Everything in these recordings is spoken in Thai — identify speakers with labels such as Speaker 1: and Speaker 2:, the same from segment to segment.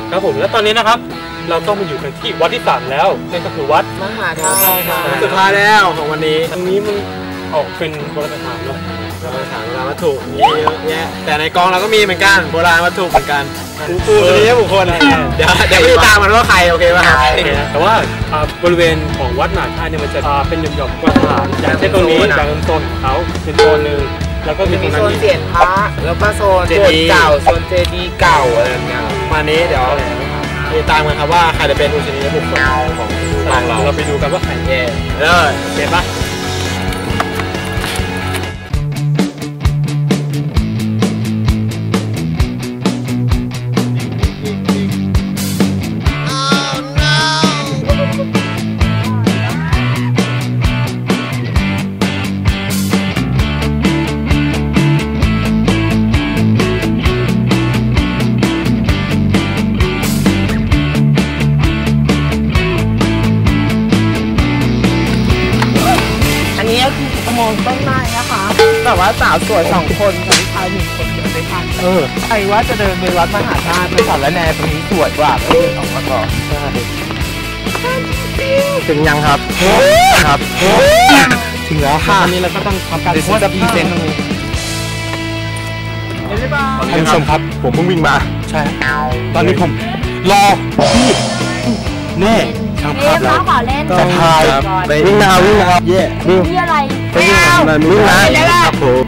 Speaker 1: ครับผมและตอนนี้นะครับเราก็มาอยู่กันที่วัดที่3แล้วนั่นก็คือวัด
Speaker 2: มหาธาตุ
Speaker 3: สุดท้ายแล้วของวันนี้
Speaker 1: ตรงนี้มันออกเป็นโบราณสถานเนาะ
Speaker 3: โบราณวัตถุมีเยอะแยะแต่ในกองเราก็มีเหมือนกันโบราณวัตถุเหมือนกันปูนี้บุคคลเดี๋ยวไปตามมันว่าใครโอเคป่ะ
Speaker 1: แต่ว่าบริเวณของวัดมหาธาตุเนี่ยมันจะเป็นหย่อมๆโบราณสถานอย่างเช่นตรงนี้อย่างโซนของเขาเป็นโซนหนึ่งแล้วก็มีโซน
Speaker 2: เสียนพระแล้วก็โซนเก่าโซนเจดีย์เก่าอะไรอย่างเงี้ย
Speaker 3: มานี้เดี๋ยวไปตามกันครับว่าใครจะเป็นอุชนียบุคคลของ
Speaker 1: เราไปดูกันว่าใคร
Speaker 3: เย่เลยเห็นปะ
Speaker 2: มองต้นไม้นะคะแต่ว่าสาวสวย2 คนกับชาย1 คนจะได้พันใครว่าจะเดินไปวัดมหาธาตุไปสารแนตรงนี้สวยกว่าก็เดินออกมาก่อน
Speaker 3: ถึงยังครับครับถึงแล้วค่ะ
Speaker 1: อันนี้เราก็ต้องทำการ
Speaker 2: โพสต์พรีเซนต์ตรงนี้
Speaker 3: ท่านผู้ชมครับผมเพิ่งวิ่งมา
Speaker 1: ใช่
Speaker 3: ตอนนี้ผมรอพี่แน่ช่างภาพแล้วจะถ่ายวิ่งนะครับเย่
Speaker 4: วิ่งอะไร
Speaker 3: ไม่เอาวิ่งนะครับผม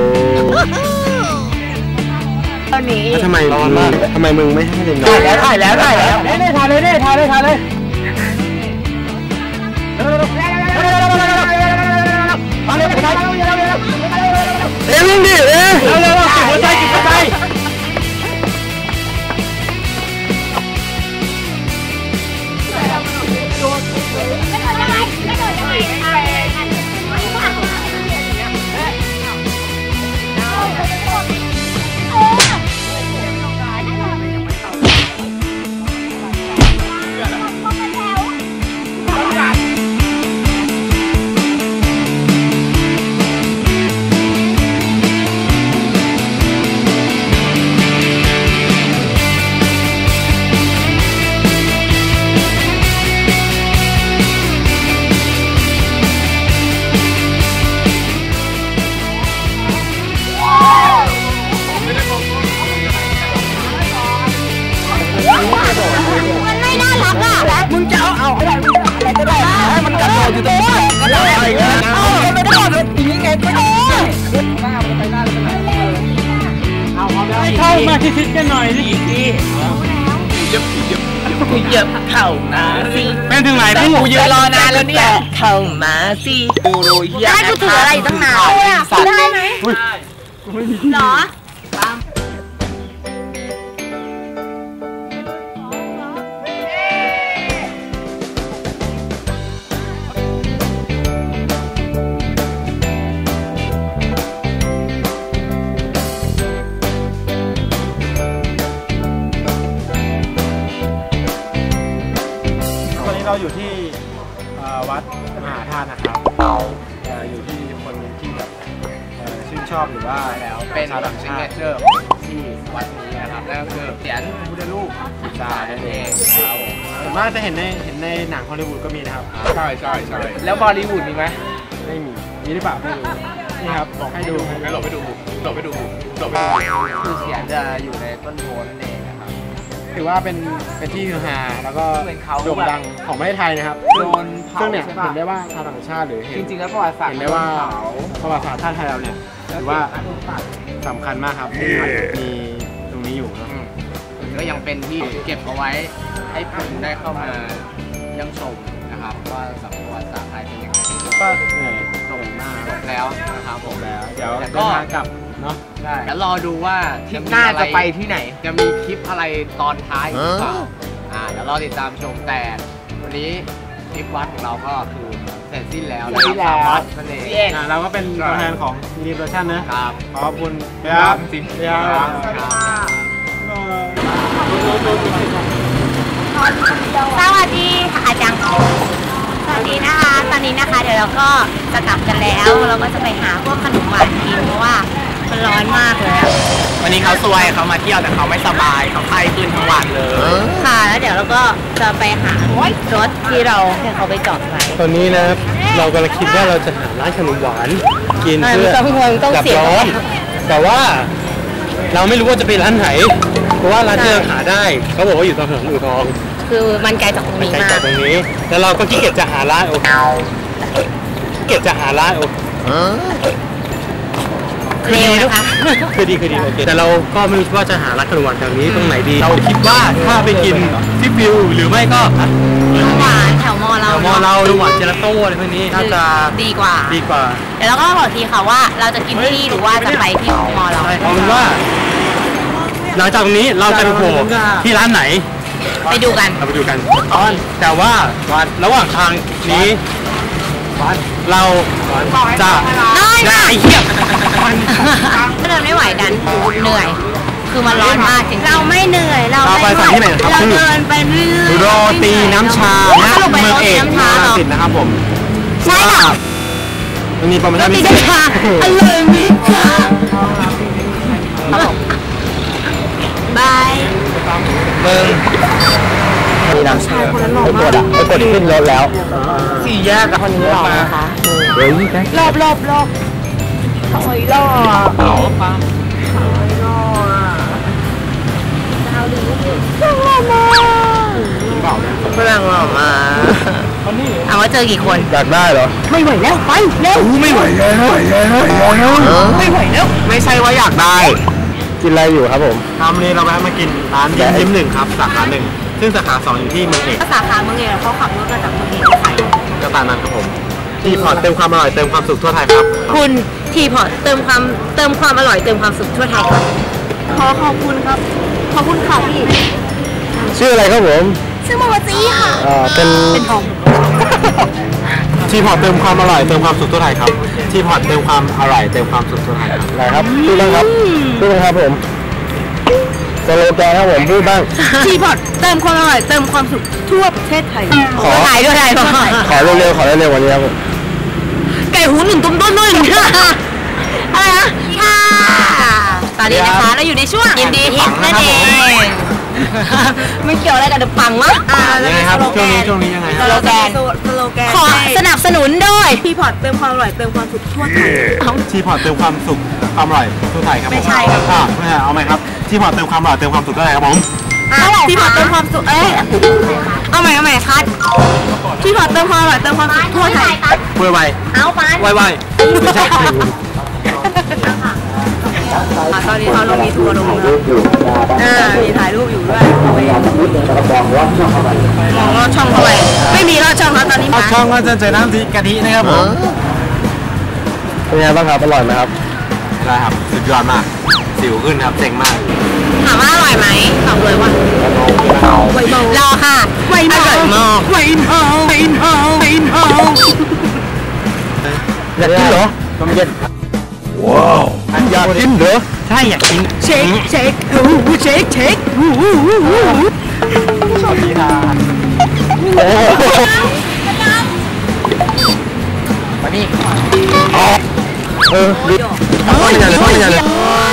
Speaker 2: ตอนนี้
Speaker 3: ทำไมมึงไม่ให้เล่น
Speaker 2: ถ่ายแล้วถ่ายเลย
Speaker 3: วิ่งดิ
Speaker 2: เร็วเก็บหัวใจ
Speaker 4: มันไม่น่ารักอ่ะ
Speaker 2: มึงจะเอาอะไรก็ได้มันกระโดดอยู่ตรงนี้ก็ได้ไม่ได้อย่างนี้ไงก็ได้หน้ามันไปหน้าขนาดนี้เอา
Speaker 1: เข้ามาชิดๆกันหน่อยดิ
Speaker 2: เหยียบเข่ามาสิ
Speaker 1: เป็นถึงไหน
Speaker 2: กูยืนรอนานแล้วเนี่ยเข่ามาสิกูรู้เหี้ย
Speaker 4: ได้กูถืออะไรตั้งนานได้ไหมหรอ
Speaker 3: เราอยู่ที่วัดมหาธาตุนะครับอยู่ที่คนที่แบบชื่นชอบหรือว่า
Speaker 2: แล้วเป็นซิกเนเจอร์ที่วัดนี้นะครับนั่นก็คือเสียนพุทธรูป
Speaker 3: ใช่นั่นเองส่วนมากจะเห็นในหนังฮอลลีวูดก็มีนะครับ
Speaker 2: ใช่แล้วบอลลีวูดมีไหม
Speaker 3: ไม่มีหรือเปล่าไม่รู้นี่ครับบอกให้ดู
Speaker 2: หลบไปดูคือเสียนจะอยู่ในต้นโพนั่นเองนะครับ
Speaker 3: ถือว่าเป็นที่ฮือฮาแล้วก็โด่งดังของประเทศไทยนะครับซึ่งเนี่ยเห็นได้ว่าชาวต่างชาติหรือ
Speaker 2: จริงๆแล้วประวัติศาสตร์
Speaker 3: เห็นได้ว่าประวัติศาสตร์ชาติไทยเราเนี่ยถือว่าสำคัญมากครับมีตรงนี้อยู่นะ
Speaker 2: ก็ยังเป็นที่เก็บเอาไว้ให้คนได้เข้ามายังชมนะครับว่าสังคมประวัติศาสตร์ไทยเป็นยังไง
Speaker 3: ก็เหนื่อยส่งหน้า
Speaker 2: แล้วนะครับผม
Speaker 3: แล้วเดี๋ยวก็กลับเนาะ
Speaker 2: ได้แล้วรอดูว่าทริปหน้าจะไปที่ไหนจะมีคลิปอะไรตอนท้ายหรือเปล่าเดี๋ยวรอติดตามชมแต่วันนี้ทริปวัดของเราก็คือเสร็จสิ้นแล้วนะครับนั่นเอง
Speaker 3: เราก็เป็นตัวแทนของรีเวอร์ชันนะครับขอบคุณ
Speaker 2: ครับ
Speaker 3: จริง
Speaker 4: สวัสดีค่ะอาจารย์สวัสดีนะคะตอนนี้นะคะเดี๋ยวเราก็จะกลับกันแล้วเราก็จะไปหาพวกขนมหวานกินเพราะว่ามันร้อนมากเลยอะ
Speaker 2: วันนี้เขาซวยเขามาเที่ยวแต่เขาไม่สบายเขาไข้ขึ้นทั้งวันเลย
Speaker 4: ค่ะแล้วเดี๋ยวเราก็จะไปหารถที่เราให้เขาไปจอดไว้
Speaker 1: ตอนนี้นะเรากำลังคิดว่าเราจะหาร้านขนมหวานกินเพื่อ
Speaker 4: ต้อง
Speaker 1: ดับ
Speaker 4: เสีย
Speaker 1: ร้อนแต่ว่าเราไม่รู้ว่าจะไปร้านไหนเพราะว่าร้านที่เราหาได้เขาบอกว่าอยู่ตรงถนนอู่ทอง
Speaker 4: คือมันไกลจากตรง
Speaker 1: มัน
Speaker 4: นี้
Speaker 1: ไกล
Speaker 4: มา
Speaker 1: จาก
Speaker 4: ก
Speaker 1: ตรงนี้แล้วเราก็ขี้เกียจจะหาร้านขี้เกียจจะหาร้าน
Speaker 4: เร็วนะคะ
Speaker 1: คือดีโอเคแต่เราก็ไม่รู้ว่าจะหาร้านขนมหวานแถวนี้ตรงไหนดีเราคิดว่าถ้าไปกินที่ฟิวหรือไม่ก็
Speaker 4: หวานแถวมอเรา
Speaker 1: มอเราหรือหวานเจลาโต้อะไรพวกนี้น่าจะ
Speaker 4: ดีกว่า
Speaker 1: ดีกว่า
Speaker 4: เดี๋ยวเราก็บอกทีค่ะว่าเราจะกินที่นี่หรือว่าจะไปที่มอเรา
Speaker 1: เอาเป็นว่าหลังจากนี้เราจะไปโผล่ที่ร้านไหน
Speaker 4: ไปดูกัน
Speaker 1: เราไปดูกันแต่ว่าระหว่างทางนี้เราจะได้เหี้ย
Speaker 4: ถ้าเดินไม่ไหวดันเหนื่อย คือมันร้อนมากจริงเราไม่เหนื่อยเรา
Speaker 1: ไปสถานที่ไหนครับ
Speaker 4: เราเดินไปเรื่อย
Speaker 1: โรตีน้ำชาณ
Speaker 4: สรุปไป
Speaker 1: เมื
Speaker 4: โร
Speaker 1: องเอ
Speaker 4: ตี
Speaker 1: ก
Speaker 4: น้ำชาเหรอ
Speaker 1: สิทธิ์นะครับผม
Speaker 4: ใช่ค่ะ
Speaker 1: มันมีโปรโม
Speaker 4: โร
Speaker 1: ชั่น
Speaker 4: ตี
Speaker 1: พิเศ
Speaker 4: น้ำ
Speaker 1: ษ
Speaker 4: ชาอร่อยมิค่ะบาย
Speaker 2: มีน้ำชาไปกดขึ้นรถแล้วสี่แยกกับคนนี้หรอคะรอบถอยรอบเอาปั๊มฝรั่งหล่อมา
Speaker 4: ถามว่าเจอกี่คน
Speaker 3: อยากได้เหรอ
Speaker 4: ไม่ไหวแล้วไปเร็ว
Speaker 3: ไม่ไหวแล้วไม่ไหวแล้วไม่ใช่ว่าอยากได้กินอะไรอยู่ครับผมวันนี้เราแวะมากินร้านยิ้มหนึ่งครับสาขาหนึ่งซึ่งสาขาสองอยู่ที่เมืองเอก
Speaker 4: สาขาเมืองเอกเขาขับรถมาจากเมืองเอกไป
Speaker 3: ก็ตามนั้นครับผมที่พอร์ตเติมความอร่อยเติมความสุขทั่วไทยครับ
Speaker 4: คุณทีพอร์ตเติมความอร่อยเติมความสุขทั่วไทยครับขอบคุณครับขอบคุณค่ะพี่
Speaker 3: ชื่ออะไรครับผม
Speaker 4: ชื่อโมจิค่ะ
Speaker 3: เป็น
Speaker 4: ทอง
Speaker 3: ที่พอร์ตเติมความอร่อยเติมความสุขทั่วไทยครับที่พอร์ตเติมความอร่อยเติมความสุขทั่วไทยครับอะไรครับพูดบ้างครับพูดบ้างครับผมสโลแกนครับผมพูดบ้าง
Speaker 4: ทีพอร์ตเติมความอร่อยเติมความสุขทั่วประเทศไทย
Speaker 3: ขอ
Speaker 4: ทั่วไทยทั่วไทย
Speaker 3: ขอเร็วๆวันนี้ครับผม
Speaker 4: ไก่หูหนึ่งตุ้มต้นด้วยอะไรนะค่ะตอนนี้นะคะเราอยู่ในช่วงยินดีฮิตนั่นเองไม่เกี่ยวอะไรกับเดอะปังวะ
Speaker 3: ยังไงครับช่วงนี้ยังไงค
Speaker 4: ส
Speaker 3: รับ
Speaker 4: โลแกนขอสนับสนุนด้วย
Speaker 5: ทีพอร์ตเติมความอร่อยเติมความสุขทั่วไทย
Speaker 3: ที่พอร์ตเติมความสุขความอร่อยทั่วไทยครับผม
Speaker 5: ไม่ใช่ครับ
Speaker 3: ไม่ใช่เอาไหมครับที่พอร์ตเติมความอร่อยเติมความสุขทั่วไทยครับผม
Speaker 5: ทีพอร์ตเติมความสุขเอาใหม่คัดทีพอร์ตเติมความอร่อยเติมความสุขทั่วไทย
Speaker 3: พูดไว
Speaker 4: เอาไป
Speaker 3: ไวไม่ใช่
Speaker 5: ตอนนี้เขาลงมีทัวร์ลงมีถ่ายรูปอยู่ด้วยมองลอดช่องเข้าไปไม่มีลอดช่องแล้วตอนนี้
Speaker 3: ช่องก็จะเจอน้ำกะทินะครับผมเป็นไงบ้างครับอร่อยไหมครับได้ครับสุดยอดมากสิวขึ้นครับเจ๋งมาก
Speaker 4: ถามว่าอร่อยไหมตอบเลยว่ารอค่ะอร่อยมาก
Speaker 3: อยากกินเหรอต้มเย็นว้าวอยากกินเหรอใช่อยากกินเช็คสวัสดีครับมานี่เข้าไปเลย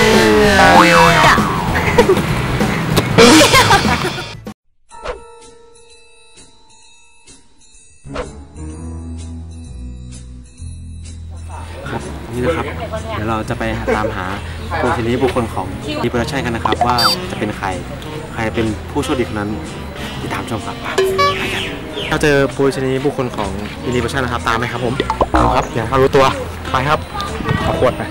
Speaker 3: นี่นะครับ เดี๋ยวเราจะไปตามหาผู้ชนิบุคคลของดีโปรดักชั่นกันนะครับว่าจะเป็นใครเป็นผู้โชคดีคนนั้นติดตามชมครับไปกันเราเจอผู้ชนิบุคคลของดีโปรดักชั่นนะครับตามไหมครับผมเอาครับอย่าเขารู้ตัวไปครับเอาขวดไป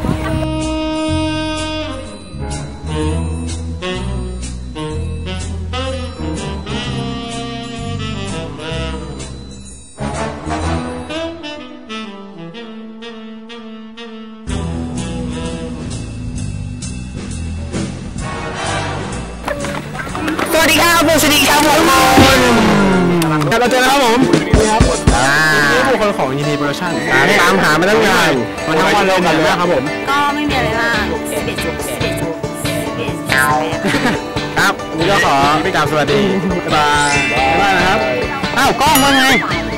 Speaker 3: สวัสดีครับผู้ชนิครับผมเราเจอแล้วครับผมนี่บุคคลของยีนีโปรดักชั่นตามหามาตั้งนานวันทั้งวันเรากันเลยครับผม
Speaker 4: ก็ไม่มีอะไรมาก
Speaker 3: ครับนี่ก็ขอพี่กราบสวัสดีบ๊ายบายนะครับอ้าวกล้องว่าไง